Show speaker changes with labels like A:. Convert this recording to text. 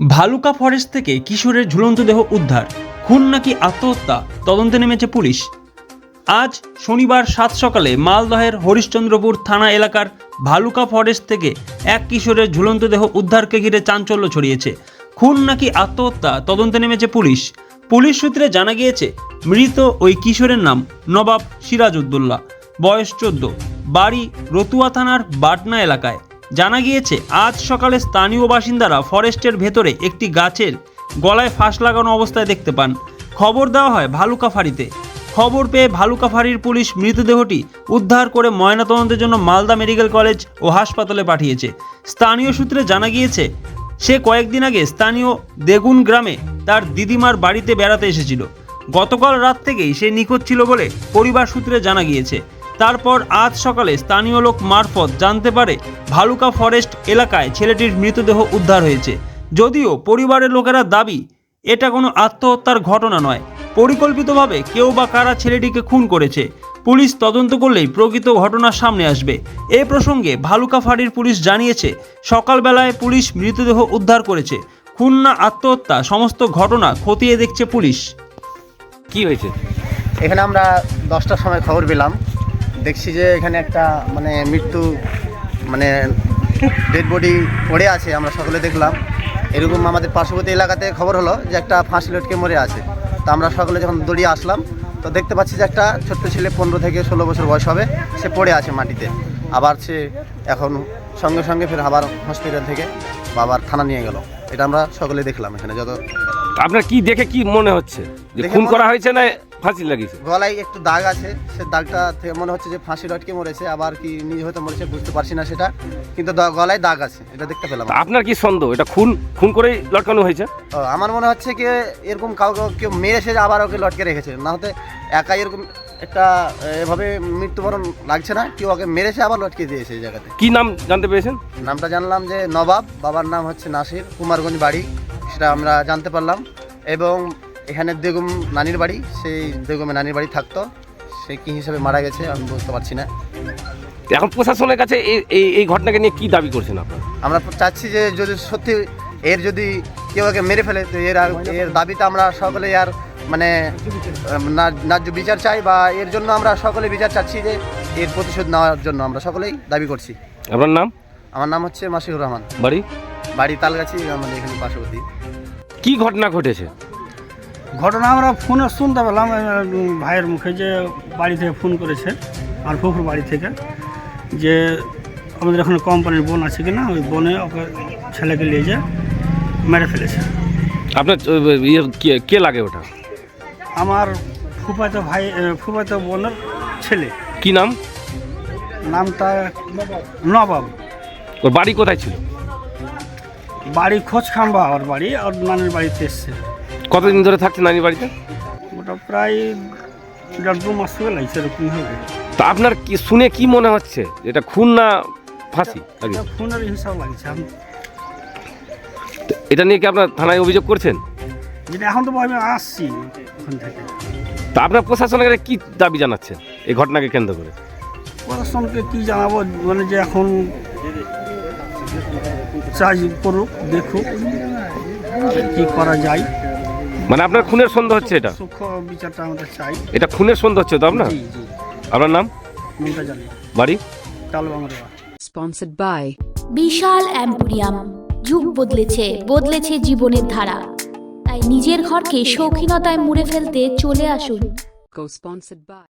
A: Bhaluka forest থেকে কিশোরের ঝুলন্ত দেহ উদ্ধার, খুন নাকি আত্মহত্যা তদন্তে নেমেছে পুলিশ। আজ শনিবার সাত সকালে মালদহের হরিশ্চন্দ্রপুর থানা এলাকার ভালুকা ফরেস্ট থেকে এক কিশোরের ঝুলন্ত দেহ উদ্ধারকে ঘিরে চাঞ্চল্য ছড়িয়েছে। খুন নাকি আত্মহত্যা তদন্তে নেমেছে পুলিশ। পুলিশ সূত্রে জানা গিয়েছে, মৃত ওই কিশোরের নাম নবাব সিরাজউদ্দৌলা, বয়স 14, বাড়ি রতুয়া থানার বাটনা এলাকায়। জানা গিয়েছে, আজ সকালে স্থানীয় বাসিন্দারা ফরেস্টের ভেতরে একটি গাছের গলায় ফাঁস লাগানো অবস্থায় দেখতে পান। খবর দেওয়া হয় ভালুকা ফাঁড়িতে। খবর পেয়ে ভালুকা ফাঁড়ির পুলিশ মৃতদেহটি উদ্ধার করে ময়নাতদন্তের জন্য মালদা মেডিকেল কলেজ ও হাসপাতালে পাঠিয়েছে। স্থানীয় সূত্রে জানা গিয়েছে, সে কয়েকদিন আগে স্থানীয় দেগুন গ্রামে তার দিদিমার বাড়িতে বেড়াতে এসেছিল। গতকাল রাত থেকেই সে নিখোঁজ ছিল বলে পরিবার সূত্রে জানা গিয়েছে। তারপর আজ সকালে স্থানীয় লোক মারফত জানতে পারে ভালুকা ফরেস্ট এলাকায় ছেলেটির মৃতদেহ উদ্ধার হয়েছে। যদিও পরিবারের লোকেরা দাবি এটা কোনো আত্মহত্যার ঘটনা নয়, পরিকল্পিতভাবে কেউ বা কারা ছেলেটিকে খুন করেছে। পুলিশ তদন্ত করলেই প্রকৃত ঘটনা সামনে আসবে। এ প্রসঙ্গে ভালুকা ফাঁড়ির পুলিশ জানিয়েছে, সকালবেলায় পুলিশ মৃতদেহ উদ্ধার করেছে। খুন না আত্মহত্যা সমস্ত ঘটনা খতিয়ে দেখছে পুলিশ।
B: কি হয়েছে
C: এখানে আমরা 10টার সময় খবর পেলাম, দেখছি যে এখানে একটা মৃত্যু ডেড বডি পড়ে আছে। আমরা সকলে দেখলাম, এরকম আমাদের পার্শ্ববর্তী এলাকাতে খবর হলো যে একটা ফাঁসি লটকে মরে আছে। তো আমরা সকলে যখন দৌড়িয়ে আসলাম, তো দেখতে পাচ্ছি যে একটা ছোট্ট ছেলে 15 থেকে 16 বছর বয়স হবে, সে পড়ে আছে মাটিতে। আবার সে এখন সঙ্গে সঙ্গে ফের আবার হসপিটাল থেকে বাবার থানা নিয়ে গেল। এটা আমরা সকলে দেখলাম। এখানে যত
B: আপনার কি দেখে কি মনে হচ্ছে যে খুন করা হয়েছে না ফাঁসি লাগিয়েছে?
C: গলায় একটু দাগ আছে, সে দাগটা থেকে মনে হচ্ছে যে ফাঁসি লটকে মরেছে, আবার কি নিজে হয়তো মরেছে বুঝতে পারছি না সেটা, কিন্তু গলায় দাগ আছে, এটা দেখতে পেলাম।
B: আপনার কি সন্দেহ এটা খুন করেই লটকানো হয়েছে?
C: আমার মনে হচ্ছে কি এরকম কাউকে কেউ মেরেছে আবার ওকে লটকে রেখেছে, না হতে একাই এরকম একটা এভাবে মৃত্যুবরণ লাগছে না, কেউ ওকে মেরেছে আবার লটকে দিয়েছে এই জায়গাতে।
B: কি নাম জানতে পেরেছেন?
C: নামটা জানলাম যে নবাব, বাবার নাম হচ্ছে নাসির, কুমারগঞ্জ বাড়ি, সেটা আমরা জানতে পারলাম। এবং এখানে বেগম নানির বাড়ি, সেই বেগমে নানির বাড়ি থাকতো, সে কী হিসাবে মারা গেছে আমি বুঝতে পারছি না।
B: এখন প্রশাসনের কাছে এই ঘটনাকে নিয়ে কি দাবি করছেন আপনারা?
C: আমরা চাচ্ছি যে যদি সত্যি যদি কেউ একে মেরে ফেলে, তো এর দাবিতে আমরা সকলে ন্যায্য বিচার চাই, বা এর জন্য আমরা সকলে বিচার চাচ্ছি, যে এর প্রতিশোধ নেওয়ার জন্য আমরা সকলেই দাবি করছি।
B: আপনার নাম?
C: আমার নাম হচ্ছে মাসিউর রহমান,
B: বাড়ি
C: তালগাছি, আমাদের এখানে পার্শ্ববর্তী।
B: কি ঘটনা ঘটেছে?
D: ঘটনা আমরা ফোনে শুনতে পেলাম ভাইয়ের মুখে, যে বাড়ি থেকে ফোন করেছে আর ফুফুর বাড়ি থেকে, যে আমাদের এখানে কোম্পানির বোন আছে কিনা, ওই বোনে ওকে ছেলেকে নিয়ে যে মেরে ফেলেছে।
B: আপনার কে লাগে ওটা?
D: আমার ফুফাতো বোনের ছেলে।
B: কি নাম?
D: নামটা নবাব।
B: ওর বাড়ি কোথায় ছিল?
D: বাড়ি খোঁজখাম্বা, ওর বাড়ি, ওর নানির বাড়িতে এসছে।
B: কতদিন ধরে থাকছে নানির বাড়িতে?
D: ওটা প্রায় 1.5-2 মাস থেকে লাগছে, এরকম হবে।
B: তা আপনার কি শুনে কি মনে হচ্ছে, এটা খুন না ফাঁসি?
D: ফোনের হিসাব লাগছে।
B: এটা নিয়ে কি আপনার থানায় অভিযোগ করছেন?
D: যেটা এখন তো আমি আসছি ওখান থেকে।
B: তা আপনার প্রশাসনের কাছে কি দাবি জানাচ্ছেন এই ঘটনাকে কেন্দ্র করে?
D: প্রশাসনকে কি জানাবো, যে এখন চাই করুক, দেখুক কি করা যায়।
B: আপনার খুনের সন্দেহ হচ্ছে? এটা
D: সূক্ষ্ম বিচারটা আমাদের চাই।
B: এটা খুনের সন্দেহ হচ্ছে তো আপনার? আপনার নাম? বাড়ি?
E: Sponsored by
F: Bishal Emporium. যুগ বদলেছে জীবনের ধারা, তাই নিজের ঘরকে শৌখিনতায় মুড়ে ফেলতে চলে আসুন।
E: Co-sponsored by